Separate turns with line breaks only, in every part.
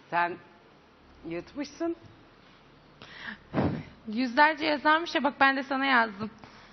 Sen yırtmışsın.
Yüzlerce yazarmış ya, bak ben de sana yazdım.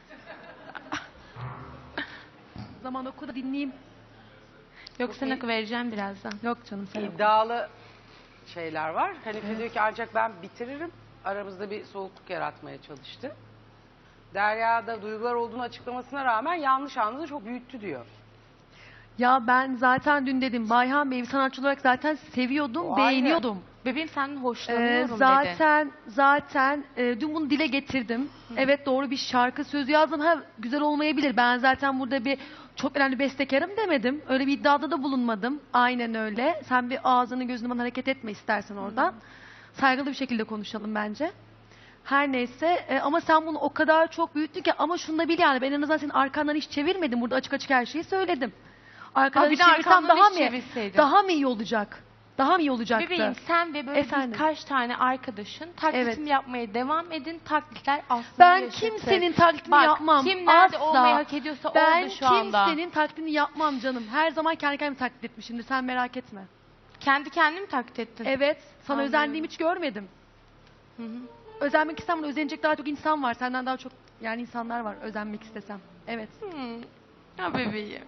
Zaman oku da dinleyeyim.
Yok, sen oku, vereceğim birazdan.
Yok canım sen oku.
İddialı şeyler var. Hanife diyor ki ancak ben bitiririm. Aramızda bir soğukluk yaratmaya çalıştı. Derya'da duygular olduğunu açıklamasına rağmen yanlış anladı, çok büyüttü diyor.
Ya ben zaten dün dedim Bayhan Bey'i sanatçı olarak zaten seviyordum,
O ayrı.
beğeniyordum.
Bebeğim senden hoşlanıyorum dedi.
Zaten dün bunu dile getirdim. Evet, doğru bir şarkı sözü yazdım. Ha, güzel olmayabilir. Ben zaten burada bir çok önemli bestekarım demedim. Öyle bir iddiada da bulunmadım. Aynen öyle. Sen bir ağzını gözünü bana hareket etme istersen oradan. Saygılı bir şekilde konuşalım bence. Her neyse ama sen bunu o kadar çok büyüttün ki, ama şunu da bil yani, ben en azından senin arkandan hiç çevirmedim. Burada açık açık her şeyi söyledim. Arkadan
bir
hiç
de
çevirsem
arkamdan
daha
hiç
mı
çevirseydin.
daha mı iyi olacak? Daha mı iyi olacaktı?
Bebeğim sen ve böyle
Efendim?
birkaç tane arkadaşın taklitini
Evet.
yapmaya devam edin. Taklitler aslında
Ben
yaşatır.
kimsenin taklidini
Bak,
yapmam.
kim nerede
Asla.
olmayı hak ediyorsa
Ben
orada şu anda.
kimsenin taklidini yapmam canım. Her zaman kendi kendimi taklit etmişimdir. Sen merak etme.
Kendi kendini mi taklit ettin?
Evet. Sana
Anlıyorum.
özendiğimi hiç görmedim.
Hı hı.
Özenmek istem, bunu özenecek daha çok insan var. Senden daha çok yani insanlar var özenmek istesem. Evet.
Ya bebeğim.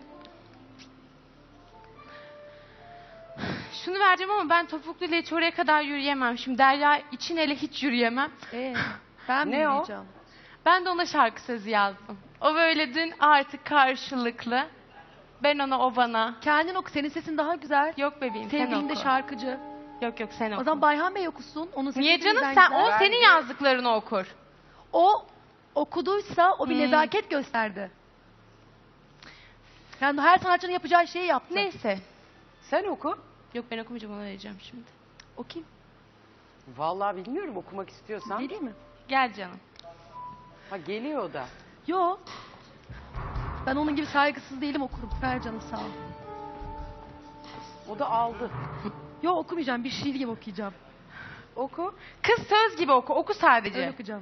Şunu vereceğim ama ben topukluyla hiç oraya kadar yürüyemem. Şimdi Derya için hele hiç yürüyemem.
Ben mi
Ne o?
yürüyeceğim?
Ben de ona şarkı sözü yazdım. O böyle dün artık karşılıklı. Ben ona, o bana.
Kendin oku. Senin sesin daha güzel.
Yok bebeğim, sen
Sevgilin
oku.
de şarkıcı.
Yok sen oku.
O zaman Bayhan Bey okusun. Onun sesi
Niye canım,
bizden
sen
güzel.
o senin
Bence-
yazdıklarını okur.
O okuduysa o bir nezaket gösterdi. Yani her sanatçının yapacağı şeyi yaptı.
Neyse.
Sen oku.
Yok, ben okumayacağım, ona vereceğim şimdi.
Okuyayım.
Vallahi bilmiyorum, okumak istiyorsan.
Geleyim mi?
Gel canım.
Ha, geliyor o da.
Yo. Ben onun gibi saygısız değilim, okurum. Ver canım, sağ ol.
O da aldı.
Yo, okumayacağım. Bir şiir gibi okuyacağım.
Oku.
Kız söz gibi oku. Oku sadece.
Öyle okuyacağım.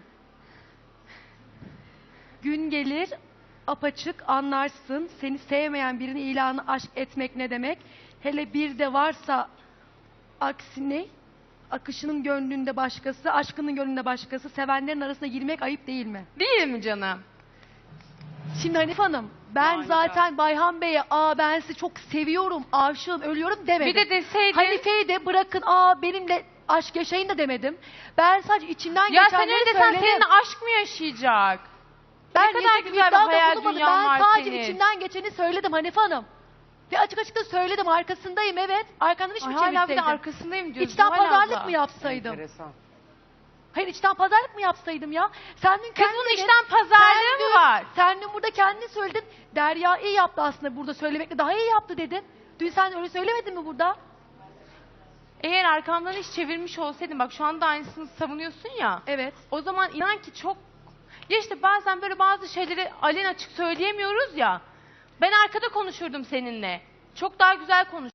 Gün gelir apaçık anlarsın, seni sevmeyen birini ilanı aşk etmek ne demek. Hele bir de varsa aksine, akışının gönlünde başkası, aşkının gönlünde başkası, sevenlerin arasına girmek ayıp değil mi?
Değil mi canım?
Şimdi Hanife Hanım, ben
Manidar.
zaten Bayhan Bey'e ben sizi çok seviyorum, aşığım, ölüyorum demedim.
Bir de deseydin.
Hanife'yi de bırakın benimle aşk yaşayın da demedim. Ben sadece içimden
Ya sen
geçenleri
öyle desen
söyledim.
seninle aşk mı yaşayacak?
Ben
Ne kadar
yaşayacak
güzel bir
iddiada
hayal
bulunmadım.
dünyan var
Ben sadece
senin.
içimden geçeni söyledim Hanife Hanım. Ve açık açık da söyledim, arkasındayım, evet. Arkandan hiç mi
Ay, hala bir de
çevirseydim?
arkasındayım diyorsun.
İçten
Zuhal
pazarlık
abla.
mı yapsaydım?
Enteresan.
Hayır, içten pazarlık mı yapsaydım ya? Sen dün
Kız bunun içten pazarlığı mı var?
Sen dün burada kendin söyledin. Derya iyi yaptı aslında, burada söylemekle daha iyi yaptı dedin. Dün sen öyle söylemedin mi burada?
Eğer arkamdan hiç çevirmiş olsaydın, bak şu anda aynısını savunuyorsun ya.
Evet.
O zaman inan ki çok... Ya işte bazen böyle bazı şeyleri aleni açık söyleyemiyoruz ya. Ben arkada konuşurdum seninle. Çok daha güzel konuş.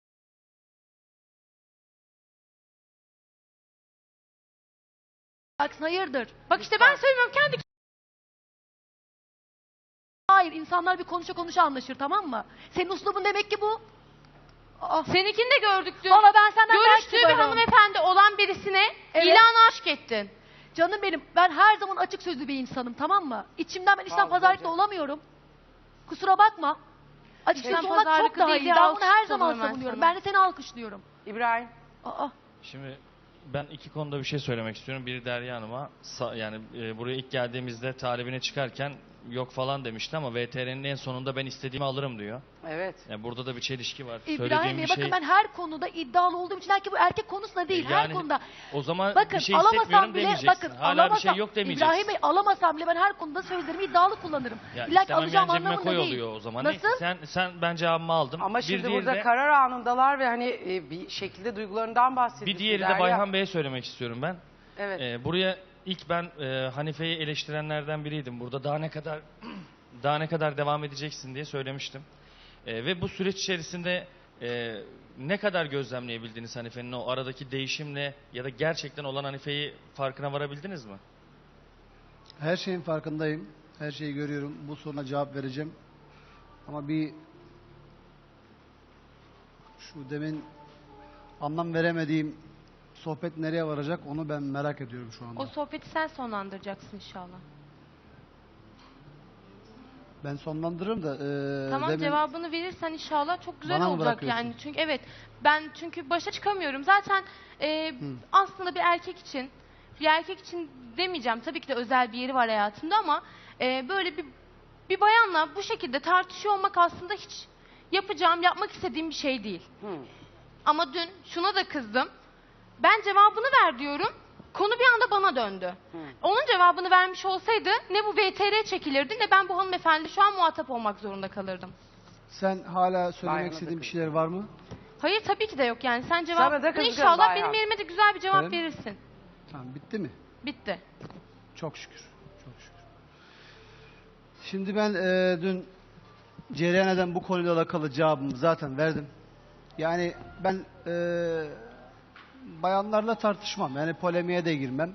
Baksın, hayırdır?
Bak işte ben söylemiyorum, kendi...
Hayır, insanlar bir konuşa anlaşır, tamam mı? Senin uslubun demek ki bu.
Seninkini de gördük dün.
Valla ben senden
Görüştüğü
belki
bir
böyle-
hanımefendi olan birisine
Evet.
ilan aşk ettin.
Canım benim, ben her zaman açık sözlü bir insanım, tamam mı? İçimden ben içten
Fazlaca.
pazarlıkla olamıyorum. Kusura bakma. Açık
İçten
sözlü olmak çok
pazarlıklı
daha
değil
iyi.
diye
Ben bunu her
alkış
zaman
tutuyorum ben
savunuyorum.
sana.
Ben de seni alkışlıyorum.
İbrahim.
Şimdi ben iki konuda bir şey söylemek istiyorum. Biri Derya Hanım'a, yani buraya ilk geldiğimizde talibine çıkarken yok falan demişti ama VTR'nin en sonunda ben istediğimi alırım diyor.
Evet.
Yani burada da bir çelişki var.
İbrahim
Söylediğim
Bey,
bir
bakın
şey...
ben her konuda iddialı olduğum için, belki bu erkek konusunda değil, her
Yani
konuda.
O zaman
Bakın
bir şey
alamasam
hissetmiyorum
bile,
demeyeceksin.
bakın
Hala
alamasam,
bir şey yok demeyeceksin.
İbrahim Bey, alamasam bile ben her konuda sözlerimi iddialı kullanırım.
Ya
İlla ki
istemem
alacağım
yani cebime
anlamında
koy
değil.
oluyor o zaman.
Nasıl?
Neyse, sen ben cevabımı aldım.
Ama
Bir
şimdi
diğeri
burada
de-
karar anındalar ve hani bir şekilde duygularından bahsediyorsun.
Bir diğeri de
Derya.
Bayhan Bey'e söylemek istiyorum ben.
Evet.
Buraya ilk ben Hanife'yi eleştirenlerden biriydim. Burada daha ne kadar devam edeceksin diye söylemiştim. Ve bu süreç içerisinde ne kadar gözlemleyebildiniz Hanife'nin o aradaki değişimle ya da gerçekten olan Hanife'yi farkına varabildiniz mi?
Her şeyin farkındayım. Her şeyi görüyorum. Bu soruna cevap vereceğim. Ama şu demin anlam veremediğim sohbet nereye varacak onu ben merak ediyorum şu anda.
O sohbeti sen sonlandıracaksın inşallah.
Ben sonlandırırım da
Tamam,
demin
cevabını verirsen inşallah çok güzel
Bana mı
olacak
bırakıyorsun?
yani. Çünkü evet, ben çünkü başa çıkamıyorum. Zaten aslında bir erkek için demeyeceğim. Tabii ki de özel bir yeri var hayatımda ama böyle bir bayanla bu şekilde tartışıyor olmak aslında hiç yapmak istediğim bir şey değil. Ama dün şuna da kızdım. Ben cevabını ver diyorum. Konu bir anda bana döndü. Onun cevabını vermiş olsaydı ne bu VTR çekilirdi ne ben bu hanımefendi şu an muhatap olmak zorunda kalırdım.
sen hala söylemek
Bayan'a
istediğin
da
bir şeyler var mı?
Hayır, tabii ki de yok yani. Sen
Sana da
cevap
kızgın
inşallah
bayağı.
benim yerime de güzel bir cevap
Efendim?
verirsin.
Tamam, bitti mi?
Bitti.
Çok şükür. Çok şükür. Şimdi ben dün cereyan eden bu konuyla alakalı cevabımı zaten verdim. Yani ben bayanlarla tartışmam. Yani polemiğe de girmem.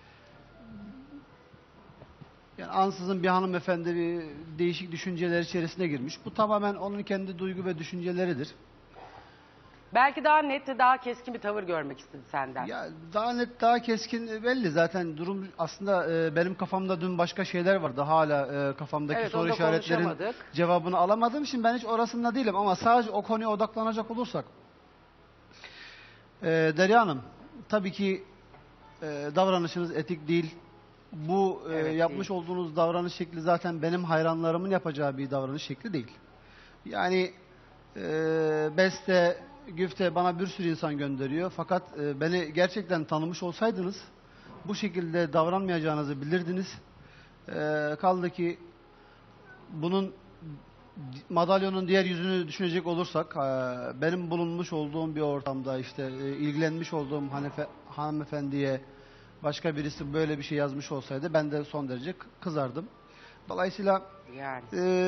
Yani ansızın bir hanımefendi bir değişik düşünceler içerisine girmiş. Bu tamamen onun kendi duygu ve düşünceleridir.
Belki daha net ve daha keskin bir tavır görmek istedi senden.
Ya daha net, daha keskin belli zaten durum. Aslında benim kafamda dün başka şeyler vardı. Hala kafamdaki
Evet,
soru
onu da
işaretlerin
konuşamadık.
cevabını alamadığım için ben hiç orasında değilim. Ama sadece o konuya odaklanacak olursak. Derya Hanım, tabii ki davranışınız etik değil. Bu
Evet,
yapmış
değil.
olduğunuz davranış şekli zaten benim hayranlarımın yapacağı bir davranış şekli değil. Yani Beste, Güfte bana bir sürü insan gönderiyor. Fakat beni gerçekten tanımış olsaydınız bu şekilde davranmayacağınızı bilirdiniz. Kaldı ki bunun madalyonun diğer yüzünü düşünecek olursak benim bulunmuş olduğum bir ortamda işte ilgilenmiş olduğum hanımefendiye başka birisi böyle bir şey yazmış olsaydı ben de son derece kızardım. Dolayısıyla
Yani.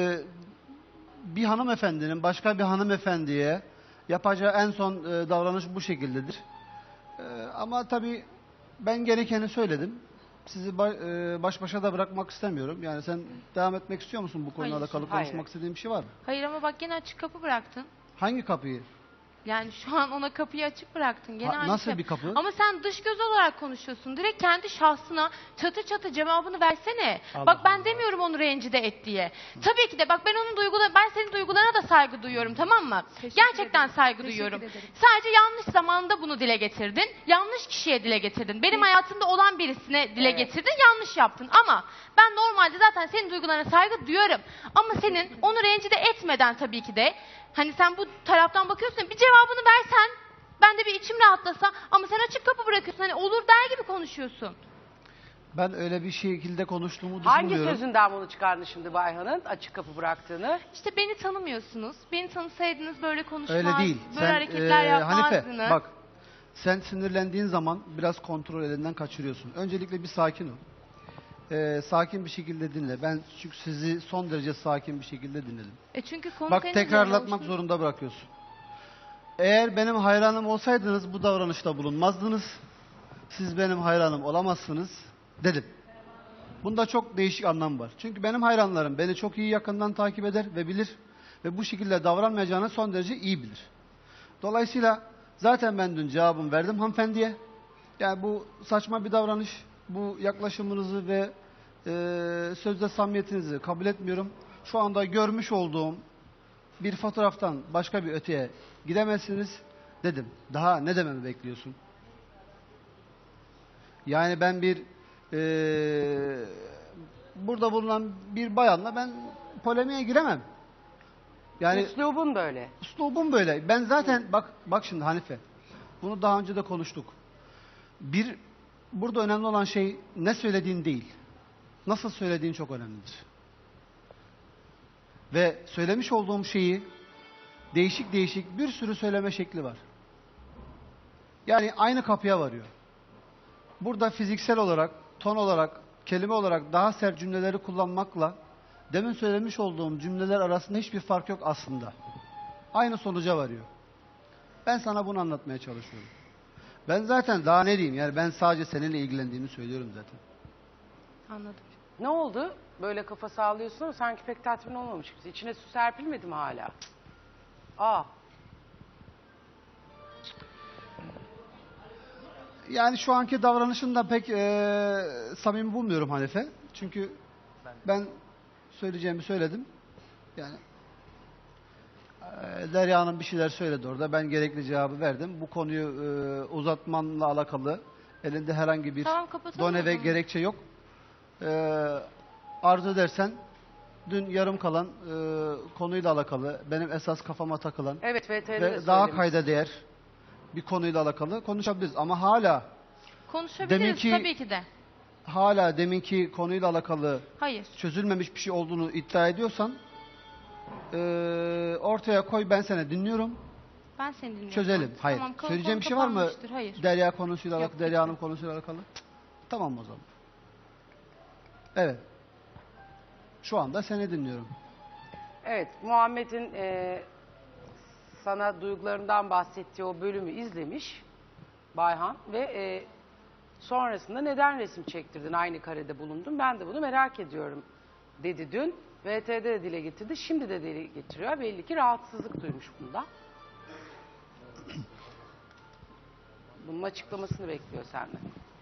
bir hanımefendinin başka bir hanımefendiye yapacağı en son davranış bu şekildedir. Ama tabii ben gerekeni söyledim. Sizi baş başa da bırakmak istemiyorum. Yani sen devam etmek istiyor musun bu konuyla
Hayır,
alakalı
hayır.
konuşmak istediğin bir şey var mı?
Hayır ama bak gene açık kapı bıraktın.
Hangi kapıyı?
Yani şu an ona kapıyı açık bıraktın. Gene aynı
Nasıl
şey.
bir kapı?
Ama sen dış göz olarak konuşuyorsun. Direkt kendi şahsına çatı çatı cevabını versene.
Allah
bak ben
Allah.
demiyorum onu rencide et diye. Tabii ki de bak ben senin duygularına da saygı duyuyorum, tamam mı? Gerçekten saygı duyuyorum. Sadece yanlış zamanda bunu dile getirdin. Yanlış kişiye dile getirdin. Benim hayatımda olan birisine dile
Evet.
getirdin. Yanlış yaptın. Ama ben normalde zaten senin duygularına saygı duyuyorum. Ama senin onu rencide etmeden tabii ki de hani sen bu taraftan bakıyorsun, bir cevabını versen ben de bir içim rahatlasa, ama sen açık kapı bırakıyorsun, hani olur der gibi konuşuyorsun.
Ben öyle bir şekilde konuştuğumu
Hangi
düşünmüyorum.
sözünden bunu çıkardın şimdi Bayhan'ın açık kapı bıraktığını?
İşte beni tanımıyorsunuz. Beni tanısaydınız böyle konuşmaz,
Öyle değil.
böyle hareketler yapmazdınız.
Hanife bak, sen sinirlendiğin zaman biraz kontrol elinden kaçırıyorsun. Öncelikle bir sakin ol. Sakin bir şekilde dinle. Ben çünkü sizi son derece sakin bir şekilde dinledim.
Çünkü konu
Bak,
senin
tekrarlatmak
üzerine
zorunda bırakıyorsun. Eğer benim hayranım olsaydınız bu davranışta bulunmazdınız. Siz benim hayranım olamazsınız dedim. Bunda çok değişik anlam var. Çünkü benim hayranlarım beni çok iyi yakından takip eder ve bilir. Ve bu şekilde davranmayacağını son derece iyi bilir. Dolayısıyla zaten ben dün cevabımı verdim hanımefendiye. Yani bu saçma bir davranış. Bu yaklaşımınızı ve sözde samimiyetinizi kabul etmiyorum. Şu anda görmüş olduğum bir fotoğraftan başka bir öteye gidemezsiniz dedim. Daha ne dememi bekliyorsun? Yani ben burada bulunan bir bayanla ben polemiğe giremem. Yani
Üslubun böyle.
üslubum böyle. Ben zaten bak şimdi Hanife. Bunu daha önce de konuştuk. Burada önemli olan şey ne söylediğin değil. Nasıl söylediğin çok önemlidir. Ve söylemiş olduğum şeyi değişik değişik bir sürü söyleme şekli var. Yani aynı kapıya varıyor. Burada fiziksel olarak, ton olarak, kelime olarak daha sert cümleleri kullanmakla demin söylemiş olduğum cümleler arasında hiçbir fark yok aslında. Aynı sonuca varıyor. Ben sana bunu anlatmaya çalışıyorum. Ben zaten daha ne diyeyim, yani ben sadece seninle ilgilendiğimi söylüyorum zaten.
Anladım.
Ne oldu? Böyle kafa sağlıyorsun ama sanki pek tatmin olmamış gibi. İçine su serpilmedi mi hala? Aa.
Yani şu anki davranışını da pek samimi bulmuyorum Hanife. Çünkü ben söyleyeceğimi söyledim. Yani Derya Hanım bir şeyler söyledi orada. Ben gerekli cevabı verdim. Bu konuyu uzatmanla alakalı elinde herhangi bir
Tamam, kapatalım
done
o
ve
zaman.
gerekçe yok. Arzu edersen dün yarım kalan konuyla alakalı benim esas kafama takılan
Evet, VTR'de de
ve daha
söylemiş.
kayda değer bir konuyla alakalı konuşabiliriz. Ama hala
Konuşabiliriz tabii ki de.
deminki konuyla alakalı
Hayır.
çözülmemiş bir şey olduğunu iddia ediyorsan ortaya koy, ben seni dinliyorum.
Ben seni dinliyorum.
Çözelim. Hayır.
Tamam,
Söyleyeceğim bir
konu
şey var mı?
kapanmıştır. Hayır.
Derya konusuyla
Yok,
alakalı, Derya
bitti.
Hanım konusuyla alakalı. Tamam o zaman. Evet. Şu anda seni dinliyorum.
Evet, Muhammed'in sana duygularından bahsettiği o bölümü izlemiş Bayhan ve sonrasında neden resim çektirdin, aynı karede bulundun, ben de bunu merak ediyorum dedi dün. VTR'de de dile getirdi, şimdi de dile getiriyor. Belli ki rahatsızlık duymuş bundan. Bunun açıklamasını bekliyor senden.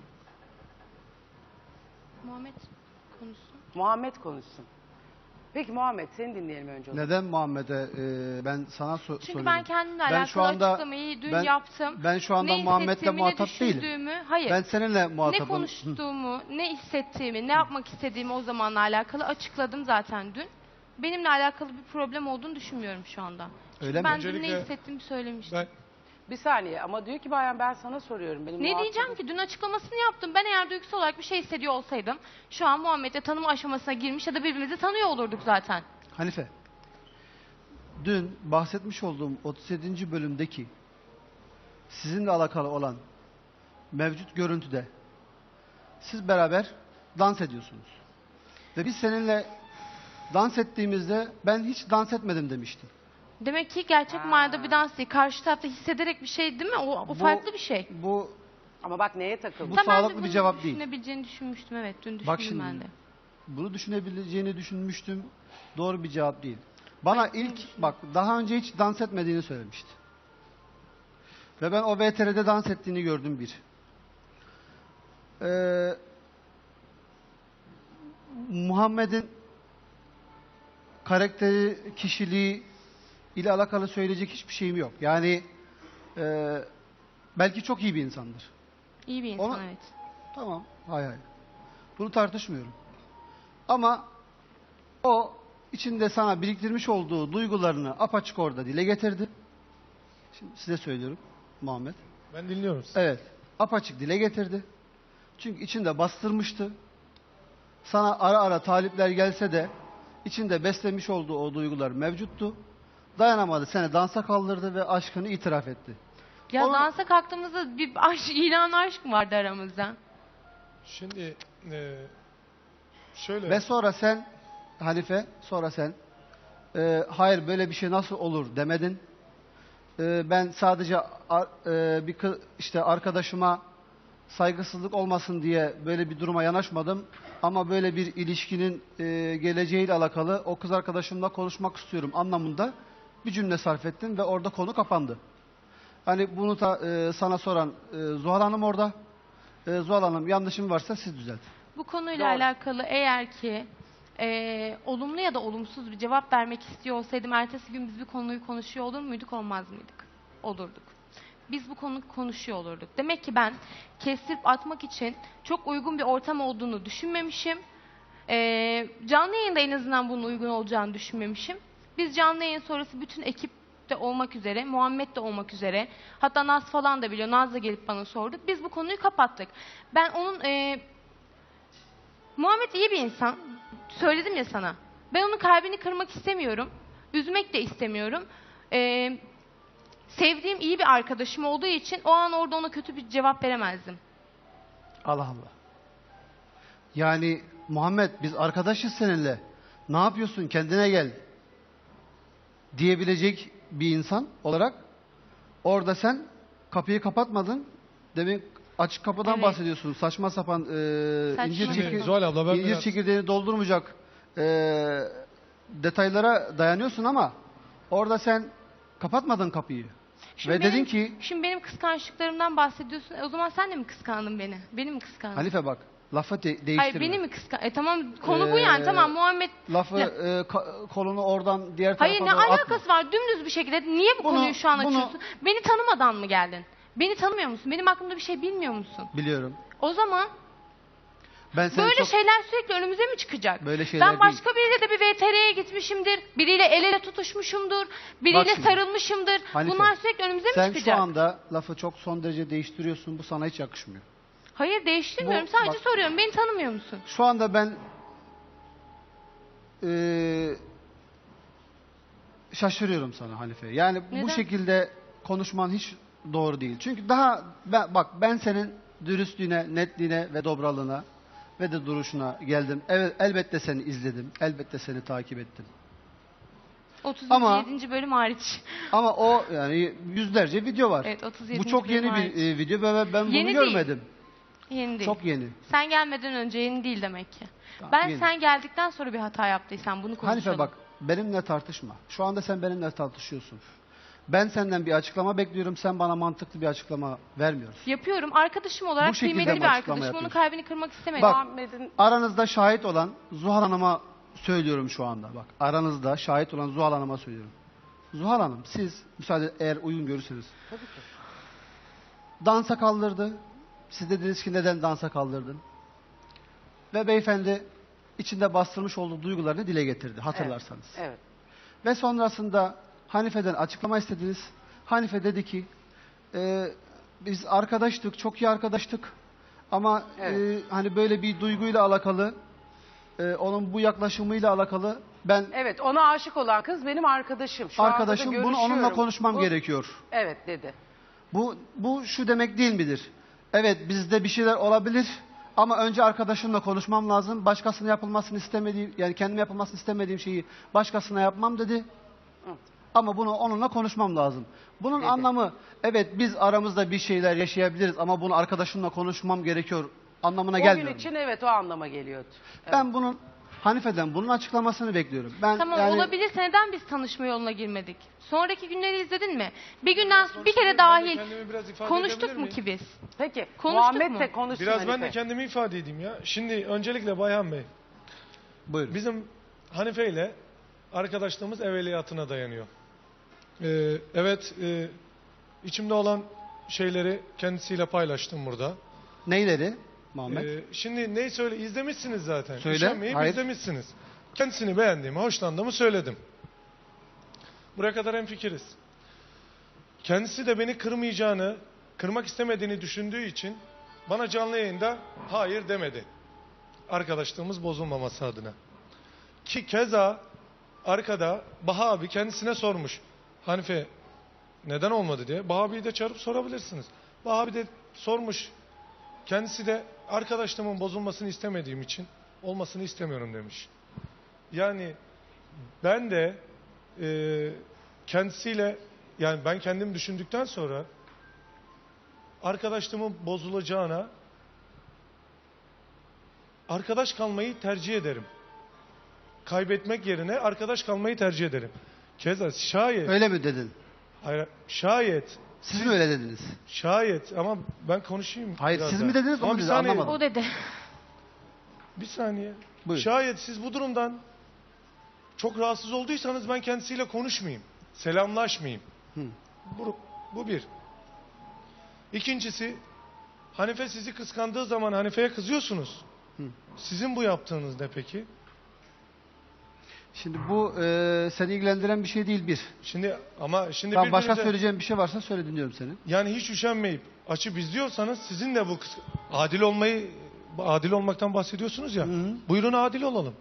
Muhammed konuşsun.
Muhammed konuşsun. Peki Muhammed, seni dinleyelim önce.
Neden Muhammed'e ben sana
Çünkü
soruyorum.
ben kendimle
Ben
alakalı
şu anda-
açıklamayı dün
ben-
yaptım.
ben şu anda
Ne
Muhammed'le
hissettiğimi,
muhatap
ne
değilim.
düşündüğümü, hayır.
Ben seninle
Ne
muhatabım.
konuştuğumu, ne hissettiğimi, ne yapmak istediğimi o zamanla alakalı açıkladım zaten dün. Benimle alakalı bir problem olduğunu düşünmüyorum şu anda. Çünkü
Öyle mi?
ben dün ne
Öncelikle
hissettiğimi söylemiştim.
Ben
Bir saniye ama diyor ki Bayan, ben sana soruyorum. Benim
Ne
muhatabım-
diyeceğim ki? Dün açıklamasını yaptım. Ben eğer duygusal olarak bir şey hissediyor olsaydım şu an Muhammed'le tanıma aşamasına girmiş ya da birbirimizi tanıyor olurduk zaten.
Hanife, dün bahsetmiş olduğum 37. bölümdeki sizinle alakalı olan mevcut görüntüde siz beraber dans ediyorsunuz. Ve biz seninle dans ettiğimizde ben hiç dans etmedim demiştin.
Demek ki gerçek manada bir dans değil. Karşı tarafta hissederek bir şey değil mi? O
Bu-
farklı bir şey.
Bu
Ama bak neye takıldın?
Bu
Tamam,
sağlıklı
dün
bir
bunu
cevap değil.
Düşünebileceğini düşünmüştüm, evet. Dün düşündüm
Bak şimdi,
ben de.
bunu düşünebileceğini düşünmüştüm. Doğru bir cevap değil. Bana bak daha önce hiç dans etmediğini söylemişti. Ve ben o VTR'de dans ettiğini gördüm bir. Muhammed'in karakteri, kişiliği ile alakalı söyleyecek hiçbir şeyim yok. Yani belki çok iyi bir insandır.
İyi bir insan,
Ona-
evet.
Tamam, hay hay. Bunu tartışmıyorum. Ama o içinde sana biriktirmiş olduğu duygularını apaçık orada dile getirdi. Şimdi size söylüyorum Muhammed.
ben dinliyorum.
Evet, apaçık dile getirdi. Çünkü içinde bastırmıştı. Sana ara ara talipler gelse de içinde beslemiş olduğu o duygular mevcuttu. Dayanamadı, seni dansa kaldırdı ve aşkını itiraf etti.
Ya
Onu-
dansa kalktığımızda bir aşk, ilan aşk mı vardı aramızda?
Şimdi şöyle
Ve sonra sen Hanife, sonra sen hayır böyle bir şey nasıl olur demedin. Ben sadece işte arkadaşıma saygısızlık olmasın diye böyle bir duruma yanaşmadım. Ama böyle bir ilişkinin geleceğiyle alakalı o kız arkadaşımla konuşmak istiyorum anlamında bir cümle sarf ettin ve orada konu kapandı. Hani bunu da sana soran Zuhal Hanım orada. Zuhal Hanım, yanlışım varsa siz düzeltin.
Bu konuyla
Doğru.
alakalı eğer ki olumlu ya da olumsuz bir cevap vermek istiyor olsaydım ertesi gün biz bu konuyu konuşuyor olur muyduk, olmaz mıydık? Olurduk. Biz bu konuyu konuşuyor olurduk. Demek ki ben kestirip atmak için çok uygun bir ortam olduğunu düşünmemişim. Canlı yayında en azından bunun uygun olacağını düşünmemişim. Biz canlı yayın sonrası bütün ekip de olmak üzere, Muhammed de olmak üzere, hatta Naz falan da biliyor, Naz da gelip bana sordu. Biz bu konuyu kapattık. Ben onun Muhammed iyi bir insan. Söyledim ya sana. Ben onun kalbini kırmak istemiyorum. Üzmek de istemiyorum. Sevdiğim iyi bir arkadaşım olduğu için o an orada ona kötü bir cevap veremezdim.
Allah Allah. Yani Muhammed, biz arkadaşız seninle. Ne yapıyorsun? Kendine gel. Diyebilecek bir insan olarak orada sen kapıyı kapatmadın. Demek açık kapıdan
Evet.
bahsediyorsun. Saçma sapan incir,
sapan.
çekir-
Zuhal abla ben
incir
biraz-
çekirdeğini doldurmayacak detaylara dayanıyorsun ama orada sen kapatmadın kapıyı. Ve dedin ki
Şimdi benim kıskançlıklarımdan bahsediyorsun. O zaman sen de mi kıskandın beni? Beni mi kıskandın?
Hanife bak lafı değiştirme.
Hayır beni mi kıskandın? Tamam konu bu yani. Tamam Muhammed.
Lafı
Ne?
kolunu oradan diğer tarafa
Hayır ne
doğru atma.
alakası var? Dümdüz bir şekilde niye bu
Bunu-
konuyu şu an
bunu-
açıyorsun? Beni tanımadan mı geldin? Beni tanımıyor musun? Benim hakkımda bir şey bilmiyor musun?
Biliyorum.
O zaman
Ben seni
böyle
çok
şeyler sürekli önümüze mi çıkacak?
Böyle şeyler
Ben başka biriyle de bir VTR'ye gitmişimdir. Biriyle el ele tutuşmuşumdur. Biriyle
şimdi,
sarılmışımdır.
Hanife,
Bunlar sürekli önümüze mi
sen
çıkacak?
şu anda lafı çok son derece değiştiriyorsun. Bu sana hiç yakışmıyor.
Hayır değiştirmiyorum.
Bu-
Sadece
bak-
soruyorum. Beni tanımıyor musun?
Şu anda ben şaşırıyorum sana Hanife. Yani
Neden?
bu şekilde konuşman hiç doğru değil. Çünkü ben senin dürüstlüğüne, netliğine ve dobralığına ve de duruşuna geldim. Evet, elbette seni izledim. Elbette seni takip ettim.
37.
Ama-
bölüm hariç.
Ama o yani yüzlerce video var.
Evet 37.
Bu çok
bölüm
yeni
hariç.
bir video ve ben bunu
Yeni değil.
görmedim.
Yeni değil.
Çok yeni.
Sen gelmeden önce yeni değil demek ki.
Tamam,
Ben
yeni.
sen geldikten sonra bir hata yaptıysam bunu konuşalım.
Hanife bak benimle tartışma. Şu anda sen benimle tartışıyorsun. Ben senden bir açıklama bekliyorum. Sen bana mantıklı bir açıklama vermiyorsun.
Yapıyorum. Arkadaşım olarak
Bu şekilde
kıymetli
mi
bir
açıklama
arkadaşım. Onun
yapıyorsun?
kalbini kırmak istemedim.
Bak
Muhammed'in
aranızda şahit olan Zuhal Hanım'a söylüyorum şu anda. Bak aranızda şahit olan Zuhal Hanım'a söylüyorum. Zuhal Hanım siz müsaade eğer uygun görürseniz. Dansa kaldırdı. Siz dediniz ki neden dansa kaldırdın? Ve beyefendi içinde bastırmış olduğu duygularını dile getirdi hatırlarsanız.
evet.
Ve sonrasında Hanife'den açıklama istediniz. Hanife dedi ki biz arkadaştık, çok iyi arkadaştık. Ama
Evet.
hani böyle bir duyguyla alakalı, onun bu yaklaşımıyla alakalı ben
Evet, ona aşık olan kız benim arkadaşım. Şu anda da
arkadaşım bunu onunla
görüşüyorum.
konuşmam
Bu-
gerekiyor.
Evet dedi.
Bu şu demek değil midir? Evet bizde bir şeyler olabilir ama önce arkadaşımla konuşmam lazım. Başkasına yapılmasını istemediğim yani kendime yapılmasını istemediğim şeyi başkasına yapmam dedi.
Hı.
Ama bunu onunla konuşmam lazım. Bunun
Dedi.
anlamı evet biz aramızda bir şeyler yaşayabiliriz ama bunu arkadaşımla konuşmam gerekiyor anlamına
O
gelmiyor.
gün için evet o anlama geliyordu. Evet.
Ben bunun Hanife'den bunun açıklamasını bekliyorum. Ben
Tamam
yani
olabilirse neden biz tanışma yoluna girmedik? Sonraki günleri izledin mi? Bir günden bir kere
Ben de
dahil
kendimi biraz ifade
konuştuk
edebilir
mu
miyim?
ki biz?
Peki
Konuştuk
Muhammed
mu?
de konuşsun
Biraz ben
Hanife.
de kendimi ifade edeyim ya. Şimdi öncelikle Bayhan Bey,
buyurun.
bizim Hanife ile arkadaşlığımız evveliyatına dayanıyor. Evet, içimde olan şeyleri kendisiyle paylaştım burada.
Neyleri Muhammed?
Şimdi neyi izlemişsiniz zaten.
Söyle,
Üşenmeyip
hayır.
izlemişsiniz. Kendisini beğendiğimi, hoşlandığımı söyledim. Buraya kadar hemfikiriz. Kendisi de beni kırmayacağını, kırmak istemediğini düşündüğü için bana canlı yayında hayır demedi. Arkadaşlığımız bozulmaması adına. Ki keza arkada Baha abi kendisine sormuş. Hanife neden olmadı diye. Baha abiyi de çağırıp sorabilirsiniz. Baha abi de sormuş. Kendisi de arkadaşlığımın bozulmasını istemediğim için olmasını istemiyorum demiş. Yani ben de kendisiyle yani ben kendim düşündükten sonra arkadaşlığımın bozulacağına arkadaş kalmayı tercih ederim. Kaybetmek yerine arkadaş kalmayı tercih ederim. Keza şayet
Öyle mi dedin?
hayır, şayet
Siz mi öyle dediniz?
şayet ama ben konuşayım.
Hayır
biraz
siz
daha.
mi dediniz
Ama
onu
bir
dedi
saniye,
anlamadım.
O dedi.
Bir saniye.
Buyurun.
Şayet siz bu durumdan çok rahatsız olduysanız ben kendisiyle konuşmayayım. Selamlaşmayayım.
Hı.
Bu bir. İkincisi, Hanife sizi kıskandığı zaman Hanife'ye kızıyorsunuz.
Hı.
Sizin bu yaptığınız ne peki?
Şimdi bu seni ilgilendiren bir şey değil bir.
Şimdi
Tamam, başka
birbirinize-
söyleyeceğim bir şey varsa söyle dinliyorum seni.
yani hiç üşenmeyip açıp izliyorsanız sizin de bu adil olmaktan bahsediyorsunuz ya.
Hı hı.
Buyurun adil olalım.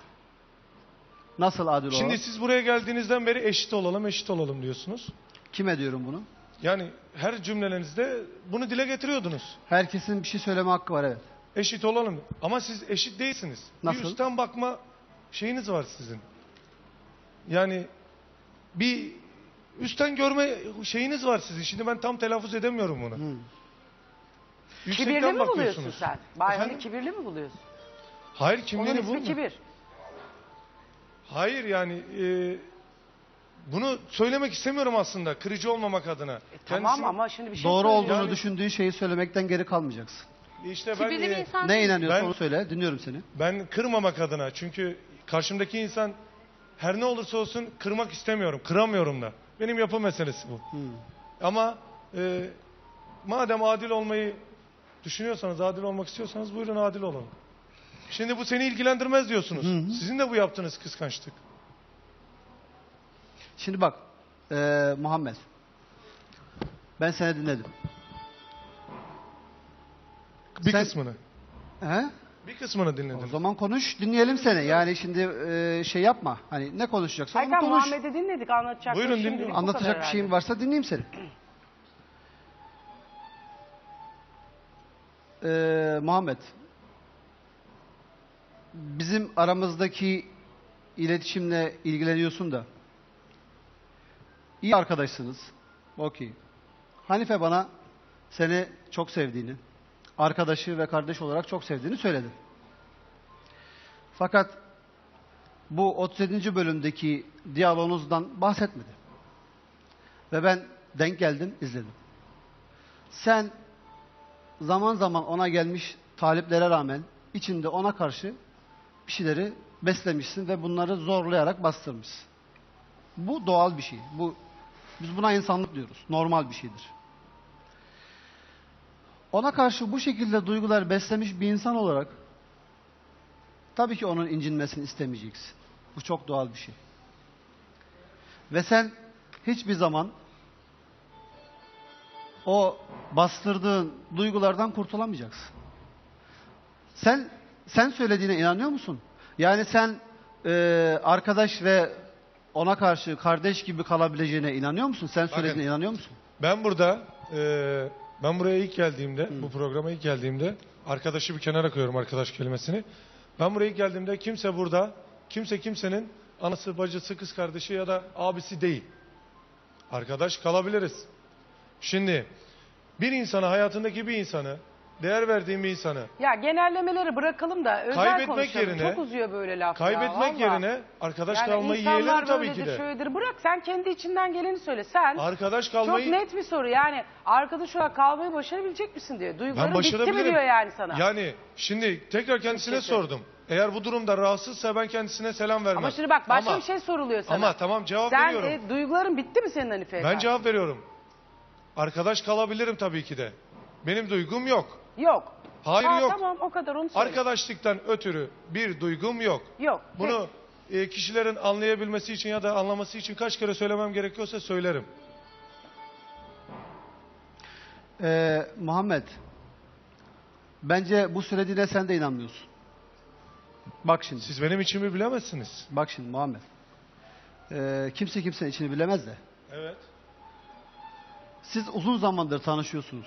Nasıl adil
Şimdi
olalım?
siz buraya geldiğinizden beri eşit olalım diyorsunuz.
Kime diyorum bunu?
Yani her cümlelerinizde bunu dile getiriyordunuz.
Herkesin bir şey söyleme hakkı var evet.
Eşit olalım. Ama siz eşit değilsiniz.
Nasıl?
Bir üstten bakma şeyiniz var sizin. Yani bir üstten görme şeyiniz var sizin. Şimdi ben tam telaffuz edemiyorum bunu.
Hı.
Yüksekten
Kibirli mi buluyorsun
bakıyorsunuz.
sen? Bayhan'ı
Efendim?
kibirli mi buluyorsun?
Hayır
Onun
kimliğini
ismi
bulma.
kibir.
Hayır yani bunu söylemek istemiyorum aslında kırıcı olmamak adına.
Tamam ama şimdi bir şey
Doğru
söyleyeyim.
olduğunu
Yani-
düşündüğün şeyi söylemekten geri kalmayacaksın.
İşte ben
Kibirli bir insan
Ne
değil.
inanıyorsan
Ben-
onu söyle. Dinliyorum seni.
ben kırmamak adına, çünkü karşımdaki insan her ne olursa olsun kırmak istemiyorum, kıramıyorum da. Benim yapı meselesi bu. Ama madem adil olmayı düşünüyorsanız, adil olmak istiyorsanız buyurun adil olun. Şimdi bu seni ilgilendirmez diyorsunuz. Sizin de bu yaptığınız kıskançlık.
Şimdi bak Muhammed. Ben seni dinledim.
Bir
Sen-
kısmını.
He?
Bir kısmını
O
dinledim.
zaman konuş, dinleyelim seni. Yani şimdi şey yapma. Hani ne konuşacaksan onu
Hayır,
konuş.
Muhammed'i dinledik, anlatacakları
Buyurun,
şimdilik
dinliyorum.
bu kadar
Anlatacak bir
herhalde.
şeyin varsa dinleyeyim seni. Muhammed. Bizim aramızdaki iletişimle ilgileniyorsun da. İyi arkadaşsınız. Okey. Hanife bana seni çok sevdiğini, arkadaşı ve kardeş olarak çok sevdiğini söyledi. Fakat bu 37. bölümdeki diyaloğunuzdan bahsetmedi. Ve ben denk geldim, izledim. Sen zaman zaman ona gelmiş taliplere rağmen içinde ona karşı bir şeyleri beslemişsin ve bunları zorlayarak bastırmışsın. Bu doğal bir şey. Biz buna insanlık diyoruz. Normal bir şeydir. Ona karşı bu şekilde duygular beslemiş bir insan olarak tabii ki onun incinmesini istemeyeceksin. Bu çok doğal bir şey. Ve sen hiçbir zaman o bastırdığın duygulardan kurtulamayacaksın. Sen söylediğine inanıyor musun? Yani sen arkadaş ve ona karşı kardeş gibi kalabileceğine inanıyor musun? Sen söylediğine inanıyor musun?
Ben buraya ilk geldiğimde, bu programa ilk geldiğimde, arkadaşı bir kenara koyuyorum, arkadaş kelimesini. Ben buraya ilk geldiğimde kimse kimsenin anası, bacısı, kız kardeşi ya da abisi değil. Arkadaş kalabiliriz. Şimdi bir insana, hayatındaki bir insanı, değer verdiğim bir insanı
Ya genellemeleri bırakalım da özel
Kaybetmek
konuşalım.
yerine-
Çok uzuyor böyle laf ya,
kaybetmek
vallahi.
yerine arkadaş
Yani
kalmayı
insanlar
yeğlerim tabii
böyledir,
ki de.
şöyledir. Bırak sen kendi içinden geleni söyle. Sen
Arkadaş
çok
kalmayı
net bir soru yani arkadaş olarak kalmayı başarabilecek misin diyor.
ben
Duyguların bitti mi
başarabilirim.
diyor yani sana.
Yani şimdi tekrar kendisine
Kesin.
sordum. Eğer bu durumda rahatsızsa ben kendisine selam vermem.
Ama şimdi bak başka
Ama-
bir şey soruluyor sana.
Ama tamam, cevap
Sen
veriyorum.
duyguların bitti mi senin Hanife'ye
Ben
karşı?
cevap veriyorum. Arkadaş kalabilirim tabii ki de. Benim duygum yok.
Yok.
Hayır,
Ha,
yok.
Tamam o kadar onu söyle.
Arkadaşlıktan ötürü bir duygum yok.
Yok.
Bunu kişilerin anlayabilmesi için ya da anlaması için kaç kere söylemem gerekiyorsa söylerim.
Muhammed, bence bu söylediğine sen de inanmıyorsun. Bak şimdi.
Siz benim içimi bilemezsiniz.
Bak şimdi Muhammed. Kimse kimsenin içini bilemez de.
Evet.
Siz uzun zamandır tanışıyorsunuz.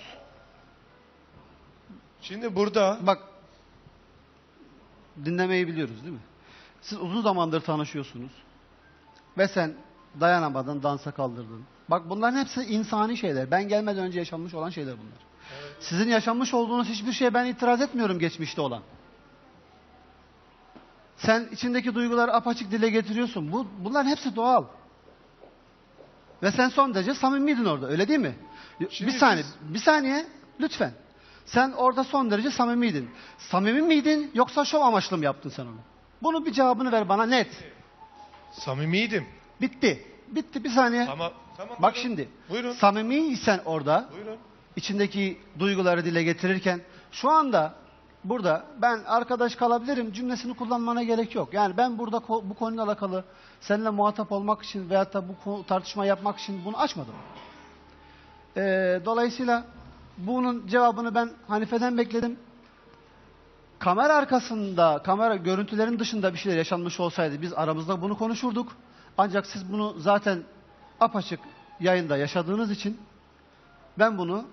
Şimdi burada
Bak, dinlemeyi biliyoruz değil mi? Siz uzun zamandır tanışıyorsunuz. Ve sen dayanamadın, dansa kaldırdın. Bak bunların hepsi insani şeyler. Ben gelmeden önce yaşanmış olan şeyler bunlar. Sizin yaşanmış olduğunuz hiçbir şeye ben itiraz etmiyorum geçmişte olan. Sen içindeki duyguları apaçık dile getiriyorsun. Bunların hepsi doğal. Ve sen son derece samimiydin orada, öyle değil mi?
Şimdi
Bir saniye, lütfen. Sen orada son derece samimiydin. Samimi miydin yoksa şov amaçlı mı yaptın sen onu? Bunu bir cevabını ver bana net.
samimiydim.
Bitti. Bitti, bir saniye.
Tamam.
Bak
buyurun.
şimdi.
Buyurun.
Samimiysen orada,
Buyurun.
içindeki duyguları dile getirirken, şu anda burada ben arkadaş kalabilirim cümlesini kullanmana gerek yok. Yani ben burada bu konuyla alakalı seninle muhatap olmak için veyahut da bu tartışma yapmak için bunu açmadım. Dolayısıyla bunun cevabını ben Hanife'den bekledim. Kamera arkasında, kamera görüntülerin dışında bir şeyler yaşanmış olsaydı biz aramızda bunu konuşurduk. Ancak siz bunu zaten apaçık yayında yaşadığınız için ben bunu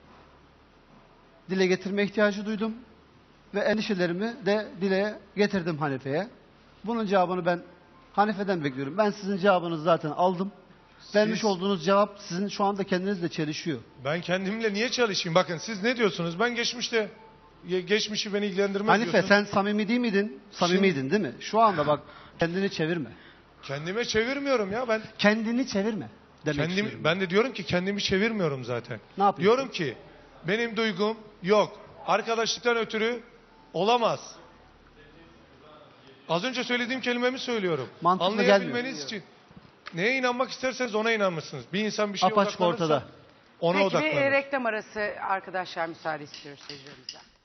dile getirme ihtiyacı duydum ve endişelerimi de dile getirdim Hanife'ye. Bunun cevabını ben Hanife'den bekliyorum. Ben sizin cevabınızı zaten aldım. Vermiş olduğunuz cevap sizin şu anda kendinizle çelişiyor.
Ben kendimle niye çalışayım? Bakın siz ne diyorsunuz? Ben geçmişi beni ilgilendirmez
Hanife
diyorsun.
sen samimi değil miydin? Samimiydin değil mi? Şu anda bak kendini çevirme.
Kendime çevirmiyorum ya ben.
Kendini çevirme. Demek istiyorum.
Ben de diyorum ki kendimi çevirmiyorum zaten.
Ne yapıyorsun?
Diyorum ki benim duygum yok. Arkadaşlıktan ötürü olamaz. Az önce söylediğim kelimemi söylüyorum.
Mantıklı
Anlayabilmeniz için. Neye inanmak isterseniz ona inanmışsınız. Bir insan bir şeye
Apaçık
odaklanırsa
ortada.
ona
Peki bir
odaklanır.
reklam arası arkadaşlar müsaade istiyoruz seyircilerimizden.